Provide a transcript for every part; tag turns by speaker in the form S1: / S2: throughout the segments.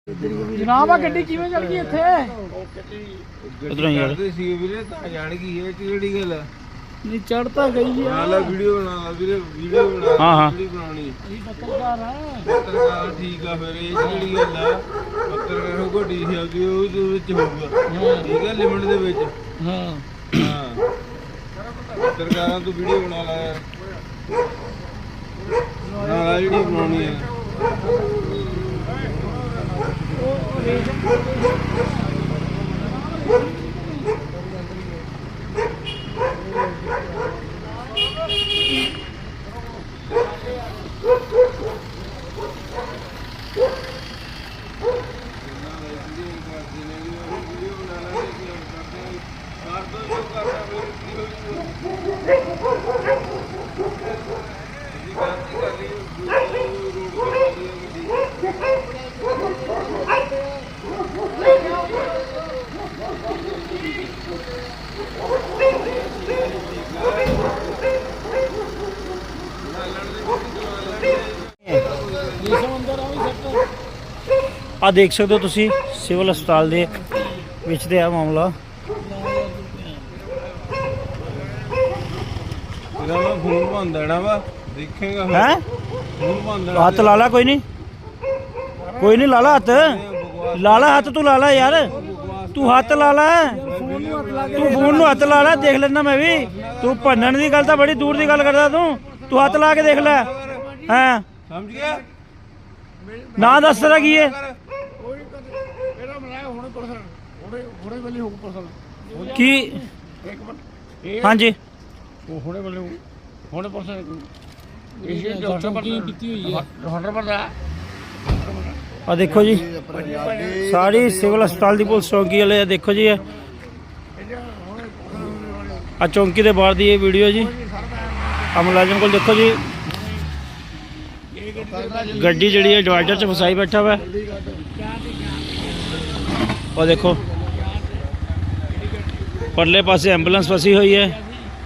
S1: ਜਨਾਬ ਆ ਗੱਡੀ ਕਿਵੇਂ ਚੜ ਗਈ ਇੱਥੇ?
S2: ਉਧਰੋਂ ਯਾਰ
S3: ਸੀ ਵੀਰੇ ਤਾਂ ਜਾਣ ਗਈ ਇਹ ਕਿਹੜੀ ਗੱਲ ਆ?
S1: ਨਹੀਂ ਚੜ ਤਾਂ ਗਈ ਆ।
S3: ਨਾਲ ਵੀਡੀਓ ਬਣਾ ਵੀਰੇ, ਵੀਡੀਓ ਬਣਾ।
S2: ਹਾਂ ਹਾਂ
S3: ਵੀਡੀਓ ਬਣਾਉਣੀ
S1: ਅਸੀਂ ਪੱਤਰਕਾਰ ਆ।
S3: ਪੱਤਰਕਾਰ ਠੀਕ ਆ। ਫਿਰ ਇਹ ਕਿਹੜੀ ਗੱਲ ਆ? ਪੱਤਰਕਾਰ ਨੂੰ ਘੋਟੀ ਸੀ ਉਹ ਦੇ ਵਿੱਚ ਹੋਊਗਾ ਠੀਕ ਆ, ਲਿਮਿਟ ਦੇ ਵਿੱਚ।
S1: ਹਾਂ
S3: ਹਾਂ ਪੱਤਰਕਾਰਾਂ ਤੋਂ ਵੀਡੀਓ ਬਣਾ ਲਾ ਯਾਰ, ਨਾਲ ਜਿਹੜੀ ਬਣਾਉਣੀ ਆ।
S2: ਆ ਦੇਖ ਸਕਦੇ ਹੋ ਤੁਸੀਂ ਸਿਵਲ ਹਸਪਤਾਲ ਦੇ ਵਿੱਚ ਤੇ ਆ ਮਾਮਲਾ।
S3: ਇਹਦਾ ਮੈਂ ਫੋਨ ਬੰਦ ਦੇਣਾ ਵਾ, ਦੇਖੇਗਾ
S2: ਹੈ
S3: ਫੋਨ ਬੰਦ ਦੇਣਾ।
S2: ਹੱਥ ਲਾ ਲਾ, ਕੋਈ ਨਹੀਂ ਕੋਈ ਨਹੀਂ, ਲਾ ਲਾ ਹੱਥ, ਲਾ ਲਾ ਹੱਥ, ਤੂੰ ਲਾ ਲਾ ਯਾਰ, ਤੂੰ ਹੱਥ ਲਾ ਲਾ, ਤੂੰ ਫੋਨ ਨੂੰ ਹੱਥ ਲਾ ਲਾ, ਦੇਖ ਲੈਣਾ ਮੈਂ ਵੀ। ਤੂੰ ਭੰਨਣ ਦੀ ਗੱਲ ਤਾਂ ਬੜੀ ਦੂਰ ਦੀ ਗੱਲ ਕਰਦਾ, ਤੂੰ ਹੱਥ ਲਾ ਕੇ ਦੇਖ ਲੈ। ਹਾਂ
S3: ਸਮਝ ਗਿਆ?
S2: ਨਾ ਦੱਸ ਤੇਰਾ ਕੀ ਹੈ?
S1: ਇਹਦਾ ਮਲਾਇਆ ਹੁਣੇ ਪਰਸਨ ਹੁਣੇ ਵੇਲੇ ਹੋ ਪਰਸਨ
S2: ਕੀ?
S1: ਇਹ
S2: ਹਾਂਜੀ
S1: ਉਹ ਹੁਣੇ ਵੇਲੇ ਹੁਣੇ ਪਰਸਨ ਇਹ ਡਾਕਟਰ ਕੀ ਕੀਤੀ ਹੋਈ ਹੈ ਹੁਣ ਬੰਦਾ।
S2: ਆ ਦੇਖੋ ਜੀ ਸਾਰੀ ਸਿਵਲ ਹਸਪਤਾਲ ਦੀ ਪੁਲਿਸ ਚੌਂਕੀ ਵਾਲੇ ਆ, ਦੇਖੋ ਜੀ ਆ ਚੌਂਕੀ ਦੇ ਬਾਹਰ ਦੀ ਇਹ ਵੀਡੀਓ ਜੀ। ਆ ਮੁਲਾਜ਼ਮ ਕੋਲ ਦੇਖੋ ਜੀ ਗੱਡੀ ਜਿਹੜੀ ਹੈ ਡਿਵਾਈਡਰ 'ਚ ਫਸਾਈ ਬੈਠਾ ਵਾ। ਉਹ ਦੇਖੋ ਪਰਲੇ ਪਾਸੇ ਐਂਬੂਲੈਂਸ ਫਸੀ ਹੋਈ ਹੈ।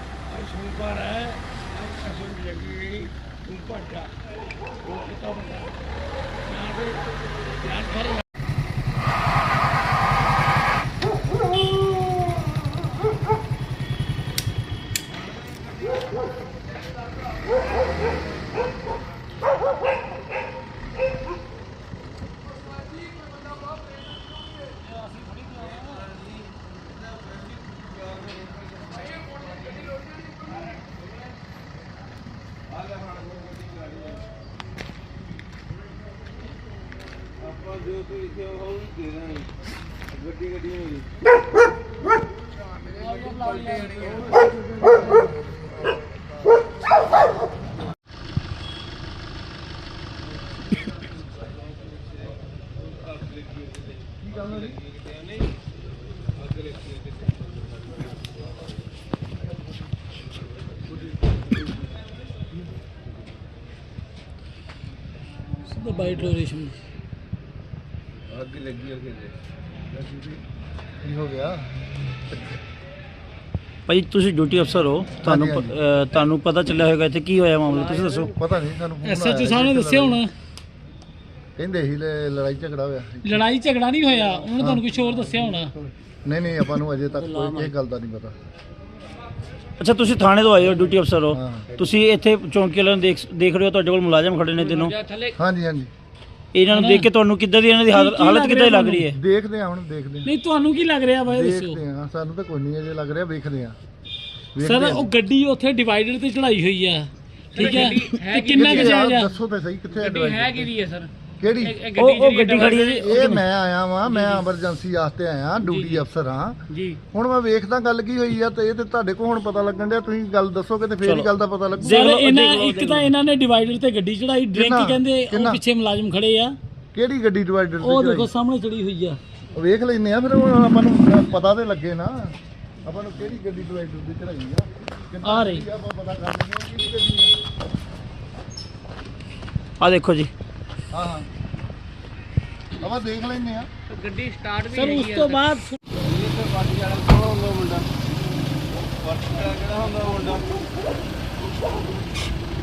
S3: ਆਪਾਂ ਜੋ ਤੂੰ ਲਿਖਿਆ ਉਹ ਵੀ ਦੇ ਦਾਂਗੇ। ਗੱਡੀ ਗੱਡੀ ਹੋਈ
S1: ਬਾਈ ਡੋਰੇਸ਼ਨ
S3: ਅੱਗ ਲੱਗੀ ਅੱਗੇ ਕੀ ਹੋ ਗਿਆ?
S2: ਭਾਈ ਤੁਸੀਂ ਡਿਊਟੀ ਅਫਸਰ ਹੋ, ਤੁਹਾਨੂੰ ਪਤਾ ਚੱਲਿਆ ਹੋਵੇਗਾ ਇੱਥੇ ਕੀ ਹੋਇਆ ਮਾਮਲਾ, ਤੁਸੀਂ ਦੱਸੋ।
S4: ਪਤਾ ਨਹੀਂ ਸਾਨੂੰ
S1: ਐਸਐਚਓ ਸਾਹਿਬ ਨੇ ਦੱਸਿਆ ਹੋਣਾ।
S4: ਕਹਿੰਦੇ ਸੀ ਲੜਾਈ ਝਗੜਾ ਹੋਇਆ।
S1: ਲੜਾਈ ਝਗੜਾ ਨਹੀਂ ਹੋਇਆ, ਉਹਨਾਂ ਨੇ ਤੁਹਾਨੂੰ ਕੁਝ ਹੋਰ ਦੱਸਿਆ ਹੋਣਾ।
S4: ਨਹੀਂ ਆਪਾਂ ਨੂੰ ਅਜੇ ਤੱਕ ਕੋਈ ਇਹ ਗੱਲ ਦਾ ਨਹੀਂ ਪਤਾ।
S2: ਅੱਛਾ ਤੁਸੀਂ ਥਾਣੇ ਤੋਂ ਆਏ ਹੋ, ਡਿਊਟੀ ਅਫਸਰ ਹੋ,
S4: ਹਾਂ।
S2: ਤੁਸੀਂ ਇੱਥੇ ਚੌਂਕੀ ਵਾਲਿਆਂ ਨੂੰ ਦੇਖ ਰਹੇ ਹੋ, ਤੁਹਾਡੇ ਕੋਲ ਮੁਲਾਜ਼ਮ ਖੜੇ ਨੇ ਤਿੰਨੋਂ।
S4: ਹਾਂਜੀ
S2: ਇਹਨਾਂ ਨੂੰ ਦੇਖ ਕੇ ਤੁਹਾਨੂੰ ਕਿੱਦਾਂ ਦੀ ਇਹਨਾਂ ਦੀ ਹਾਲਤ ਕਿੱਦਾਂ ਦੀ ਲੱਗ ਰਹੀ ਹੈ?
S4: ਦੇਖਦੇ ਆ ਹੁਣ, ਦੇਖਦੇ
S1: ਨਹੀਂ ਤੁਹਾਨੂੰ ਕੀ ਲੱਗ ਰਿਹਾ ਬਾਈ ਦੱਸੋ।
S4: ਦੇਖਦੇ ਆ, ਸਾਨੂੰ ਤਾਂ ਕੋਈ ਨਹੀਂ ਅਜੇ ਲੱਗ ਰਿਹਾ, ਵੇਖਦੇ ਆ।
S1: ਸਰ ਉਹ ਗੱਡੀ ਉੱਥੇ ਡਿਵਾਈਡਰ ਤੇ ਚੜਾਈ ਹੋਈ ਆ, ਠੀਕ ਹੈ, ਤੇ ਕਿੰਨਾ ਕੁ ਜਾਇਜ਼ ਆ?
S4: ਦੱਸੋ ਤਾਂ ਸਹੀ ਕਿੱਥੇ ਹੈ
S1: ਕਿਹਦੀ ਹੈ ਸਰ?
S4: ਕਿਹੜੀ?
S2: ਉਹ ਗੱਡੀ ਖੜੀ ਹੈ ਜੀ।
S4: ਇਹ ਮੈਂ ਆਇਆ ਵਾਂ, ਮੈਂ ਐਮਰਜੈਂਸੀ ਵਾਸਤੇ ਆਇਆ, ਡਿਊਟੀ ਅਫਸਰ ਹਾਂ
S1: ਜੀ।
S4: ਹੁਣ ਮੈਂ ਵੇਖਦਾ ਗੱਲ ਕੀ ਹੋਈ ਆ, ਤੇ ਇਹ ਤੇ ਤੁਹਾਡੇ ਕੋਲ ਹੁਣ ਪਤਾ ਲੱਗਣ ਡਿਆ, ਤੁਸੀਂ ਗੱਲ ਦੱਸੋਗੇ ਤੇ ਫੇਰ ਹੀ ਗੱਲ ਦਾ ਪਤਾ ਲੱਗੂ।
S1: ਸਰ ਇੱਕ ਤਾਂ ਇਹਨਾਂ ਨੇ ਡਿਵਾਈਡਰ ਤੇ ਗੱਡੀ ਚੜਾਈ, ਡਰਿੰਕ ਕਹਿੰਦੇ, ਉਹ ਪਿੱਛੇ ਮੁਲਾਜ਼ਮ ਖੜੇ ਆ।
S4: ਕਿਹੜੀ ਗੱਡੀ ਡਿਵਾਈਡਰ
S1: ਉਹ
S4: ਤੇ
S1: ਦੇਖੋ ਸਾਹਮਣੇ ਚੜੀ ਹੋਈ ਆ।
S4: ਵੇਖ ਲੈਨੇ ਆ ਫਿਰ, ਹੁਣ ਆਪਾਂ ਨੂੰ ਪਤਾ ਤੇ ਲੱਗੇ ਨਾ ਆਪਾਂ ਨੂੰ ਕਿਹੜੀ ਗੱਡੀ ਡਿਵਾਈਡਰ ਦੀ ਚੜਾਈ ਆ।
S1: ਆ ਰਹੀ
S4: ਆਪਾਂ ਪਤਾ ਕਰ ਲੈਂਦੇ ਹਾਂ ਕਿਹੜੀ ਗੱਡੀ
S2: ਆ ਦੇਖੋ ਜੀ।
S4: ਆ। ਹਾਂ ਆਪਾਂ ਦੇਖ ਲੈਨੇ ਆ।
S1: ਗੱਡੀ ਸਟਾਰਟ ਵੀ ਸਰ, ਉਸ ਤੋਂ ਬਾਅਦ
S3: ਪਾਰਟੀ ਵਾਲਾ ਕੌਣ ਹੁੰਦਾ ਮੁੰਡਾ? ਪਾਰਟੀ ਵਾਲਾ ਕਿਹੜਾ ਹੁੰਦਾ ਮੁੰਡਾ?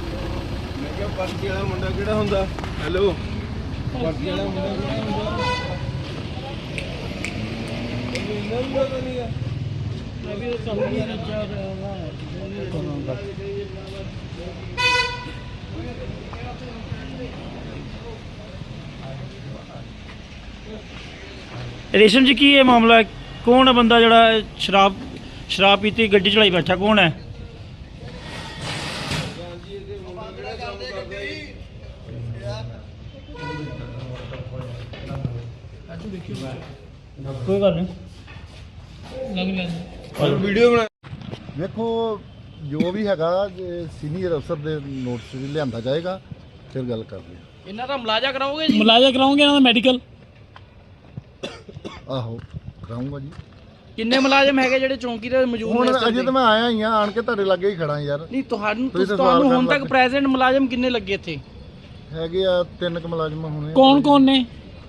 S3: ਮੈਂ ਕਿਹਾ ਪਾਰਟੀ ਵਾਲਾ ਮੁੰਡਾ ਕਿਹੜਾ ਹੁੰਦਾ? ਹੈਲੋ, ਪਾਰਟੀ ਵਾਲਾ ਮੁੰਡਾ ਕਿਹੜਾ ਹੁੰਦਾ?
S2: ਰੇਸ਼ਮ ਜੀ ਕੀ ਇਹ ਮਾਮਲਾ ਹੈ? ਕੌਣ ਹੈ ਬੰਦਾ ਜਿਹੜਾ ਸ਼ਰਾਬ ਪੀਤੀ ਗੱਡੀ ਚੜਾਈ ਬੈਠਾ, ਕੌਣ ਹੈ? ਕੋਈ ਗੱਲ ਨਹੀਂ,
S3: ਵੀਡੀਓ ਬਣਾ
S4: ਵੇਖੋ ਜੋ ਵੀ ਹੈਗਾ ਸੀਨੀਅਰ ਅਫਸਰ ਦੇ ਨੋਟਿਸ ਵੀ ਲਿਆਂਦਾ ਜਾਏਗਾ, ਫਿਰ ਗੱਲ ਕਰਦੇ ਹਾਂ।
S1: ਇਹਨਾਂ ਦਾ ਮੁਲਾਜ਼ਾ ਕਰਾਓਗੇ ਜੀ?
S2: ਮੁਲਾਜ਼ਾ ਕਰਾਉਂਗੇ ਇਹਨਾਂ ਦਾ ਮੈਡੀਕਲ?
S4: ਆਹੋ ਕਰਾਉਂਗਾ ਜੀ।
S1: ਕਿੰਨੇ ਮੁਲਾਜ਼ਮ ਹੈਗੇ ਜਿਹੜੇ ਚੌਂਕੀ ਤੇ ਮੌਜੂਦ ਨੇ
S4: ਹੁਣ
S1: ਇਸ time
S4: ਅਜੇ
S1: ਤੇ?
S4: ਤਾਂ ਮੈਂ ਆਇਆ ਹੀ ਆ, ਆਣ ਕੇ ਤੁਹਾਡੇ ਲਾਗੇ ਹੀ ਖੜਾ ਯਾਰ।
S1: ਨਹੀਂ
S4: ਤੁਸੀਂ ਤਾਂ
S1: ਤੁਹਾਨੂੰ
S4: ਸਵਾਲ
S1: ਹੁਣ
S4: ਕਰਨ
S1: ਤੱਕ
S4: ਲੱਗ
S1: ਪ੍ਰੈਜ਼ੈਂਟ ਮੁਲਾਜ਼ਮ ਕਿੰਨੇ ਲੱਗੇ ਇੱਥੇ?
S4: ਹੈਗੇ ਆ 3 ਕੁ ਮੁਲਾਜ਼ਮ ਹੋਣੇ।
S2: ਕੌਣ ਨੇ?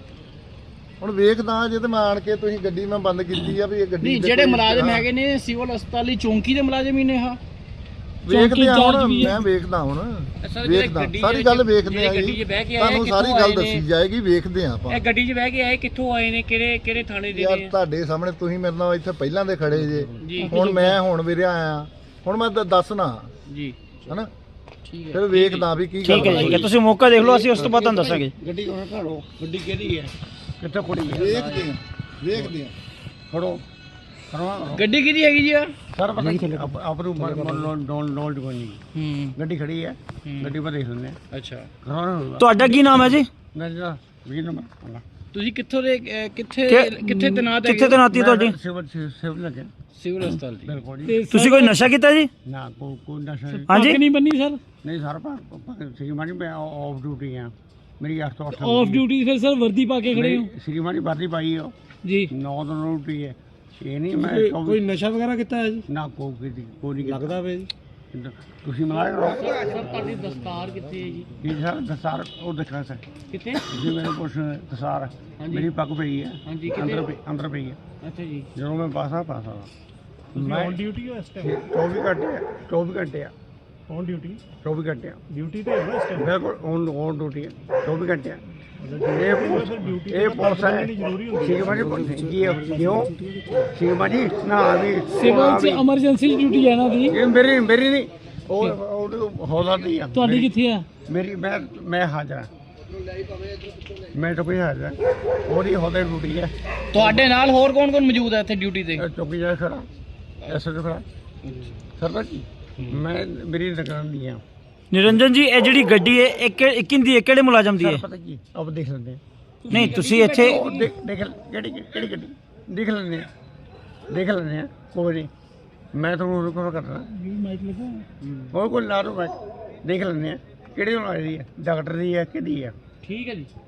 S4: ਹੁਣ ਵੇਖਦਾ ਅਜੇ ਤਾਂ ਮੈਂ ਆਣ ਕੇ, ਤੁਸੀਂ ਗੱਡੀ ਮੈਂ ਬੰਦ ਕੀਤੀ ਆ ਵੀ ਇਹ ਗੱਡੀ
S1: ਨਹੀਂ
S4: ਦੇ
S1: ਜਿਹੜੇ
S4: ਕੋਈ-
S1: ਮੁਲਾਜ਼ਮ
S4: ਹਾਂ,
S1: ਹੈਗੇ ਨੇ ਸਿਵਲ ਹਸਪਤਾਲ ਦੀ ਚੌਂਕੀ ਦੇ ਮੁਲਾਜ਼ਮ ਹੀ ਨੇ ਹਾਂ।
S4: ਵੇਖਦੇ ਆ ਹੁਣ,
S2: ਇੰਚਾਰਜ ਵੀ ਹੈ।
S4: ਮੈਂ ਵੇਖਦਾ ਹੁਣ,
S1: ਸਰ, ਜਿਹੜੇ
S4: ਵੇਖਦਾ
S1: ਗੱਡੀ
S4: ਸਾਰੀ
S1: ਦੇ
S4: ਗੱਲ
S1: ਵਿੱਚ-
S4: ਵੇਖਦੇ ਆ
S1: ਜਿਹੜੇ ਗੱਡੀ
S4: ਜੀ,
S1: 'ਚ ਬਹਿ ਕੇ ਆਏ
S4: ਤੁਹਾਨੂੰ
S1: ਕਿੱਥੋਂ
S4: ਸਾਰੀ ਗੱਲ
S1: ਆਏ ਨੇ?
S4: ਦੱਸੀ ਜਾਏਗੀ, ਵੇਖਦੇ ਆ ਆਪਾਂ।
S1: ਇਹ ਗੱਡੀ 'ਚ ਬਹਿ ਕੇ ਆਏ ਕਿੱਥੋਂ ਆਏ ਨੇ, ਕਿਹੜੇ ਥਾਣੇ ਦੇ
S4: ਯਾਰ
S1: ਨੇ?
S4: ਤੁਹਾਡੇ ਸਾਹਮਣੇ ਤੁਸੀਂ ਮੇਰੇ ਨਾਲ ਇੱਥੇ ਪਹਿਲਾਂ ਦੇ ਖੜੇ ਜੇ,
S1: ਜੀ
S4: ਹੁਣ ਮੈਂ ਹੁਣ ਵੀਰੇ ਆਇਆ, ਹੁਣ ਮੈਂ ਦੱਸਣਾ
S1: ਜੀ
S4: ਹਨਾ,
S1: ਠੀਕ ਹੈ।
S4: ਫਿਰ ਵੇਖਦਾ ਵੀ ਕੀ
S2: ਠੀਕ ਹੈ
S4: ਗੱਲ
S2: ਠੀਕ ਹੈ, ਤੁਸੀਂ ਮੌਕਾ ਦੇਖ ਲਓ, ਅਸੀਂ ਉਸ ਤੋਂ ਬਾਅਦ ਤੁਹਾਨੂੰ ਦੱਸਾਂਗੇ।
S1: ਗੱਡੀ ਉਹਨਾਂ ਘੜੋ, ਗੱਡੀ ਕਿਹਦੀ ਹੈ, ਕਿੱਥੇ ਖੜੀ ਹੈ?
S4: ਵੇਖਦੇ ਆ ਵੇਖਦੇ ਆ।
S1: ਖੜੋ ਗੱਡੀ ਕਿਹਦੀ ਹੈਗੀ ਜੀ?
S5: ਸਰ ਪਤਾ ਕੀ ਆਪ ਨੂੰ ਨੋਲਡ ਕੋਈ ਨਹੀਂ,
S1: ਹੂੰ
S5: ਗੱਡੀ ਖੜੀ ਹੈ, ਗੱਡੀ ਪਰ ਦੇਖ ਲੈਂਦੇ ਆ।
S1: ਅੱਛਾ,
S2: ਤੁਹਾਡਾ ਕੀ ਨਾਮ ਹੈ ਜੀ?
S5: ਮੈਂ ਜਿਹੜਾ 20 ਨੰਬਰ
S1: ਤੁਸੀਂ ਕਿੱਥੋਂ ਦੇ ਕਿੱਥੇ ਤੈਨਾਤ ਹੈਗੇ?
S2: ਕਿੱਥੇ ਤੈਨਾਤੀ ਤੁਹਾਡੀ?
S5: ਸਿਵਲ ਲੱਗੇ
S1: ਸਿਵਲ ਹਸਪਤਾਲ ਦੀ।
S5: ਬਿਲਕੁਲ ਜੀ।
S2: ਤੁਸੀਂ ਕੋਈ ਨਸ਼ਾ ਕੀਤਾ ਜੀ?
S5: ਨਾ ਕੋਈ ਨਸ਼ਾ ਨਹੀਂ।
S2: ਹਾਂਜੀ,
S1: ਨਹੀਂ ਬੰਨੀ ਸਰ?
S5: ਨਹੀਂ ਸਰ ਸ਼੍ਰੀਮਾਨੀ ਮੈਂ ਆਫ ਡਿਊਟੀ ਆ, ਮੇਰੀ 8 ਤੋਂ 8
S1: ਆਫ ਡਿਊਟੀ ਫਿਰ ਸਰ ਵਰਦੀ ਪਾ ਕੇ ਖੜੇ ਹੋ
S5: ਸ਼੍ਰੀਮਾਨੀ ਵਰਦੀ ਪਾਈ ਹੋ
S1: ਜੀ?
S5: 9 ਤੋਂ ਡਿਊਟੀ ਹੈ, ਇਹ ਨਹੀਂ ਮੈਂ
S1: ਕੋਈ ਨਸ਼ਾ ਵਗੈਰਾ ਕੀਤਾ ਹੈ ਜੀ?
S5: ਨਾ ਕੋਈ ਨਹੀਂ
S1: ਲੱਗਦਾ ਵੇ ਜੀ।
S5: ਤੁਸੀਂ ਮਲਾਇਆ ਕਰੋ।
S1: ਸਰ ਤੁਹਾਡੀ ਦਸਤਾਰ ਕਿੱਥੇ ਹੈ ਜੀ?
S5: ਕੀ ਸਰ ਦਸਾਰ ਉਹ ਦੇਖਣਾ ਸਰ,
S1: ਕਿੱਥੇ?
S5: ਤੁਸੀਂ ਮੇਰੇ ਪੁੱਛ ਦਸਾਰ ਮੇਰੀ ਪੱਗ ਪਈ ਹੈ,
S1: ਹਾਂਜੀ
S5: ਅੰਦਰ ਪਈ ਹੈ।
S1: ਅੱਛਾ ਜੀ।
S5: ਜਦੋਂ ਮੈਂ ਪਾਸਾ ਮੈਂ ਔਨ ਡਿਊਟੀ ਹੋ ਇਸ ਟਾਈਮ? 24 ਘੰਟੇ ਆ, 24 ਘੰਟੇ ਆ
S1: ਔਨ ਡਿਊਟੀ?
S5: 24 ਘੰਟੇ ਆ
S1: ਡਿਊਟੀ ਤੇ ਹੈ ਇਸ ਟਾਈਮ?
S5: ਬਿਲਕੁਲ ਔਨ ਡਿਊਟੀ ਹੈ, 24 ਘੰਟੇ ਆ। ਇਹ ਪੁਲਿਸ ਹੈ ਸ਼ਿਕਮਾ ਜੀ ਕਿਉਂ ਸ਼ਿਕਮਾ ਜੀ ਨਾ ਵੀ
S1: ਸਿਵਲ ਚ ਐਮਰਜੈਂਸੀ ਡਿਊਟੀ ਹੈ ਨਾ ਦੀ?
S5: ਇਹ ਮੇਰੀ ਨਹੀਂ, ਉਹ ਹੌਲਾ ਦੀ ਆ।
S1: ਤੁਹਾਡੀ ਕਿੱਥੇ ਆ?
S5: ਮੇਰੀ ਮੈਂ ਹਾਜ਼ਰ ਹਾਂ, ਮੈਂ ਤਾਂ ਕੋਈ ਹਾਜ਼ਰ ਹਾਂ, ਉਹਦੀ ਹੌਲੇ ਡਿਊਟੀ ਹੈ।
S1: ਤੁਹਾਡੇ ਨਾਲ ਹੋਰ ਕੌਣ ਮੌਜੂਦ ਹੈ ਇੱਥੇ ਡਿਊਟੀ ਤੇ?
S5: ਚੌਕੀ ਜਾ ਖੜਾ ਐਸੇ ਖੜਾ ਸਰਦਾਰ ਜੀ, ਮੈਂ ਮੇਰੀ ਦੁਕਾਨ ਦੀ ਆ।
S2: ਨਿਰੰਜਨ ਜੀ, ਇਹ ਜਿਹੜੀ ਗੱਡੀ ਹੈ ਇਹ ਕਿੰਦੀ ਹੈ, ਕਿਹੜੇ ਮੁਲਾਜ਼ਮ ਦੀ ਹੈ?
S5: ਪਤਾ ਕੀ ਆਪ ਦੇਖ ਲੈਂਦੇ ਆ।
S2: ਨਹੀਂ ਤੁਸੀਂ ਇੱਥੇ
S5: ਉਹ ਦੇਖ ਕਿਹੜੀ ਗੱਡੀ ਦੇਖ ਲੈਂਦੇ ਆ, ਕੋਈ ਨਹੀਂ ਮੈਂ ਤੁਹਾਨੂੰ ਰਿਕਾਰਡ ਕਰਦਾ ਹੋਰ ਕੋਈ ਲਾ ਲਓ, ਮੈਂ ਦੇਖ ਲੈਂਦੇ ਆ ਕਿਹੜੀ ਹੋਣ ਵਾਲੀ ਹੈ, ਡਾਕਟਰ ਦੀ ਹੈ ਕਿਹਦੀ ਹੈ।
S1: ਠੀਕ ਹੈ ਜੀ।